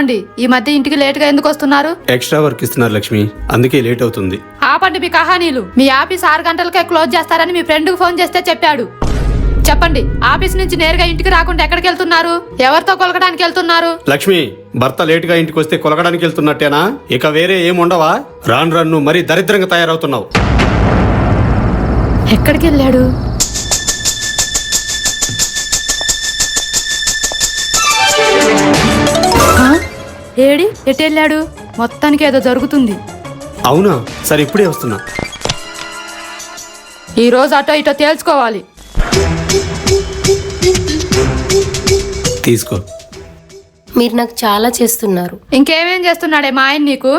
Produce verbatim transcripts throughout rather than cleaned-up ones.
ఏమండి ఈ మధ్య ఇంటికి లేట్ గా ఎందుకు వస్తున్నారు? ఎక్స్ట్రా వర్క్ ఇస్తున్నారు లక్ష్మి, అందుకే లేట్ అవుతుంది. ఆపండి మీ కహానీలు. మీ ఆఫీస్ ఆరు గంటలకే క్లోజ్ చేస్తారని మీ ఫ్రెండ్ కు ఫోన్ చేస్తే చెప్పాడు. చెప్పండి, ఆఫీస్ నుంచి నేరుగా ఇంటికి రాకుండా ఎక్కడికి వెళ్తున్నారు? ఎవరితో కొలకడానికి వెళ్తున్నారు? లక్ష్మి, భర్త లేట్ గా ఇంటికి వస్తే కొలకడానికి వెళ్తున్నట్టేనా? ఇక వేరే ఏముండవా? రాను రాను మరీ దరిద్రంగా తయారవుతున్నావు. ఎక్కడికి వెళ్ళాడు? ఏడి ఎటు వెళ్ళాడు? మొత్తానికి ఏదో జరుగుతుంది. అవునా? సరే ఇప్పుడే వస్తున్నా. ఈ రోజు అటో ఇటో తేల్చుకోవాలి. తీసుకో. మీరు నాకు చాలా చేస్తున్నారు. ఇంకేమేం చేస్తున్నాడే మా ఆయన నీకు?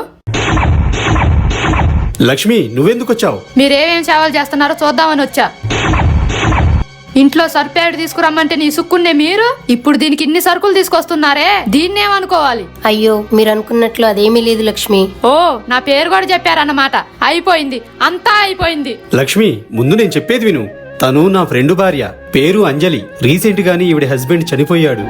లక్ష్మి, నువ్వెందుకు వచ్చావు? మీరేమేం సేవలు చేస్తున్నారో చూద్దామని వచ్చా. ఇంట్లో సర్పేడు తీసుకురమ్మంటే నీ సుక్కుండే మీరు ఇప్పుడు దీనికి ఇన్ని సరుకులు తీసుకొస్తున్నారే, దీన్నేమనుకోవాలి? అయ్యో, మీరు అనుకున్నట్లు అదేమీ లేదు లక్ష్మి. ఓ, నా పేరు కూడా చెప్పారన్నమాట. అయిపోయింది, అంతా అయిపోయింది. లక్ష్మి, ముందు నేను చెప్పేది విను. తను నా ఫ్రెండ్ భార్య, పేరు అంజలి. రీసెంట్ గానీ ఈవిడ హస్బెండ్ చనిపోయాడు.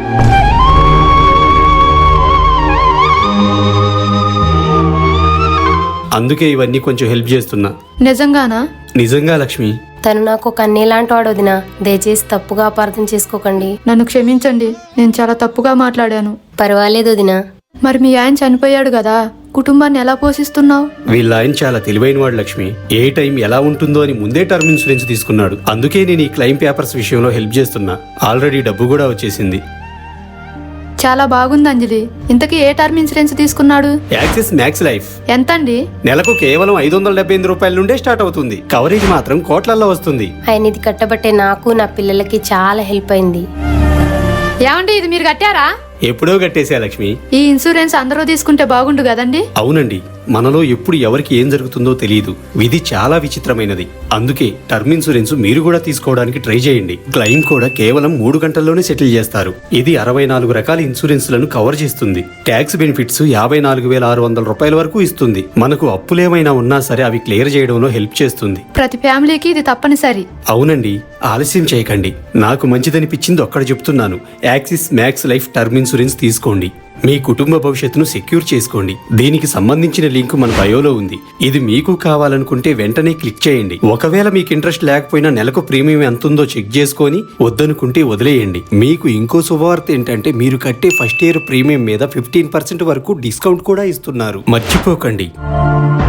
అందుకే ఇవన్నీ కొంచెం హెల్ప్ చేస్తున్నా. నిజంగానా? నిజంగా లక్ష్మి. తను నాకు ఒక అన్నేలాంటి వాడు వదినా, దయచేసి తప్పుగా అపార్థం చేసుకోకండి. నన్ను క్షమించండి, నేను చాలా తప్పుగా మాట్లాడాను. పర్వాలేదు వదినా. మరి మీ ఆయన చనిపోయాడు కదా, కుటుంబాన్ని ఎలా పోషిస్తున్నావు? వీళ్ళ ఆయన చాలా తెలివైన వాడు లక్ష్మి. ఏ టైం ఎలా ఉంటుందో అని ముందే టర్మ్ ఇన్సూరెన్స్ తీసుకున్నాడు. అందుకే నేను ఈ క్లెయిమ్ పేపర్స్ విషయంలో హెల్ప్ చేస్తున్నా. ఆల్రెడీ డబ్బు కూడా వచ్చేసింది. చాలా బాగుంది అంజలి. ఇంతకీ ఏ టర్మ్ ఇన్సూరెన్స్ తీసుకున్నాడు? Axis Max Life. ఎంతండి? నెలకు కేవలం ఐదు వందల డెబ్బై ఎనిమిది రూపాయల నుండే స్టార్ట్ అవుతుంది. కవరేజ్ మాత్రం కోట్లల్లో వస్తుంది. ఆయన ఇది కట్టబట్టే నాకు నా పిల్లలకి చాలా హెల్ప్ అయింది. ఏమండి, ఇది మీరు కట్టారా? ఎప్పుడో కట్టేశా లక్ష్మి. ఈ ఇన్సూరెన్స్ అందరూ తీసుకుంటే బాగుండు కదండి. అవునండి, మనలో ఎప్పుడు ఎవరికి ఏం జరుగుతుందో తెలియదు. విధి చాలా విచిత్రమైనది. అందుకే టర్మ్ ఇన్సూరెన్స్ మీరు కూడా తీసుకోవడానికి ట్రై చేయండి. క్లెయిమ్ కూడా కేవలం మూడు గంటల్లోనే సెటిల్ చేస్తారు. ఇది అరవై నాలుగు రకాల ఇన్సూరెన్స్లను కవర్ చేస్తుంది. ట్యాక్స్ బెనిఫిట్స్ యాభై నాలుగు వేల ఆరు వందల రూపాయల వరకు ఇస్తుంది. మనకు అప్పులేమైనా ఉన్నా సరే అవి క్లియర్ చేయడంలో హెల్ప్ చేస్తుంది. ప్రతి ఫ్యామిలీకి ఇది తప్పనిసరి. అవునండి, ఆలస్యం చేయకండి. నాకు మంచిదనిపించింది ఒక్కడ చెప్తున్నాను. Axis Max Life term insurance తీసుకోండి. మీ కుటుంబ భవిష్యత్తును సెక్యూర్ చేసుకోండి. దీనికి సంబంధించిన లింక్ మన బయోలో ఉంది. ఇది మీకు కావాలనుకుంటే వెంటనే క్లిక్ చేయండి. ఒకవేళ మీకు ఇంట్రెస్ట్ లేకపోయినా నెలకు ప్రీమియం ఎంత ఉందో చెక్ చేసుకొని వద్దనుకుంటే వదిలేయండి. మీకు ఇంకో శుభవార్త ఏంటంటే మీరు కట్టే ఫస్ట్ ఇయర్ ప్రీమియం మీద ఫిఫ్టీన్ పర్సెంట్ వరకు డిస్కౌంట్ కూడా ఇస్తున్నారు. మర్చిపోకండి.